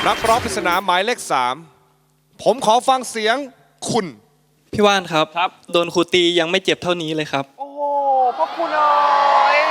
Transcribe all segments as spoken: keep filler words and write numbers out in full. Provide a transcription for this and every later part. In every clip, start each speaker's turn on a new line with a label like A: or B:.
A: นักร้องปริศนาหมายเลขสามผมขอฟังเสียงคุณ
B: พี่ว่านครับ
C: ครับ
B: โดนครูตียังไม่เจ็บเท่านี้เลยครับ
D: โอ้โหพ่อคุณเอ๋ย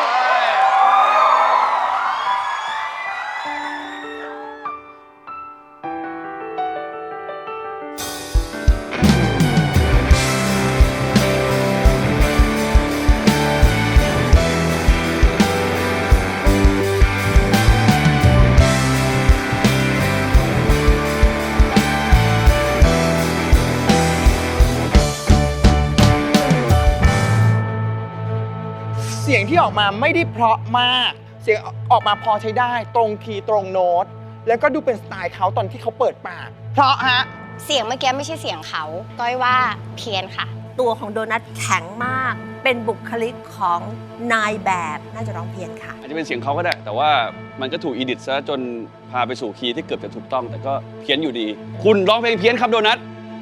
D: เสียงที่ออกมาไม่ได้เพราะมากเสียงออกมาพอใช้ได้ตรงคีย์ตรงโน้ตแล้วก็ดูเป็นสไตล์เขาตอนที่เขาเปิดปากเพราะฮะ
E: เสียงเมื่อกี้ไม่ใช่เสียงเขาก้อยว่าเพี้ยนค่ะ
F: ตัวของโดนัทแข็งมากเป็นบุคลิกของนายแบบน่าจะร้องเพี้ยนค่ะ
C: อาจจะเป็นเสียงเขาก็ได้แต่ว่ามันก็ถูกอีดิทซะจนพาไปสู่คีย์ที่เกือบจะถูกต้องแต่ก็เพี้ยนอยู่ดี คุณร้องเพลงเพี้ยนครับโดนัท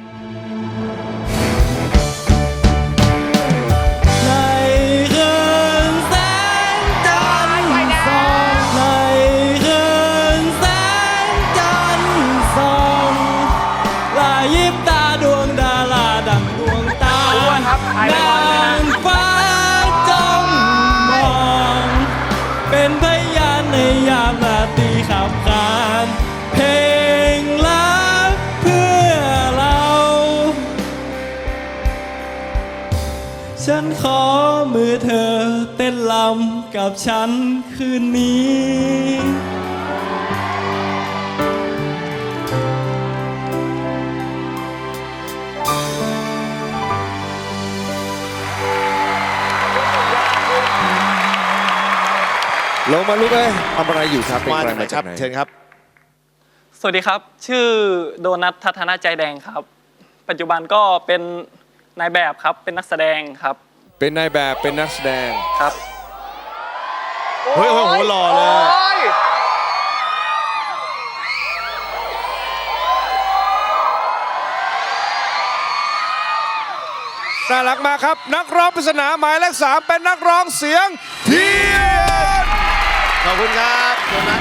B: เป็นพยานในยามราตรีขับขานเพลงรักเพื่อเรา ฉันขอมือเธอเต้นลำกับฉันคืนนี้
A: ลงมาลูกเอ้ยทำอะไรอยู่ครับเป็น
G: มา
A: ใคร
G: จากไหน
A: มา
G: ค
A: จา
G: รั
A: ก
G: บ
A: ไหน
G: เชิญครับ
B: สวัสดีครับชื่อโดนัททัศนใจแดงครับปัจจุบันก็เป็นนายแบบครับเป็นนักแสดงครับ
A: เป็นนายแบบเป็นนักแสดง
B: ครับ
A: เฮ้ยโอ้โหหล่อเลยน่ารักมากครับนักร้องปริศนาหมายเลขสามเป็นนักร้องเสียงเพี้ยน
G: ขอบคุณครับโดนัท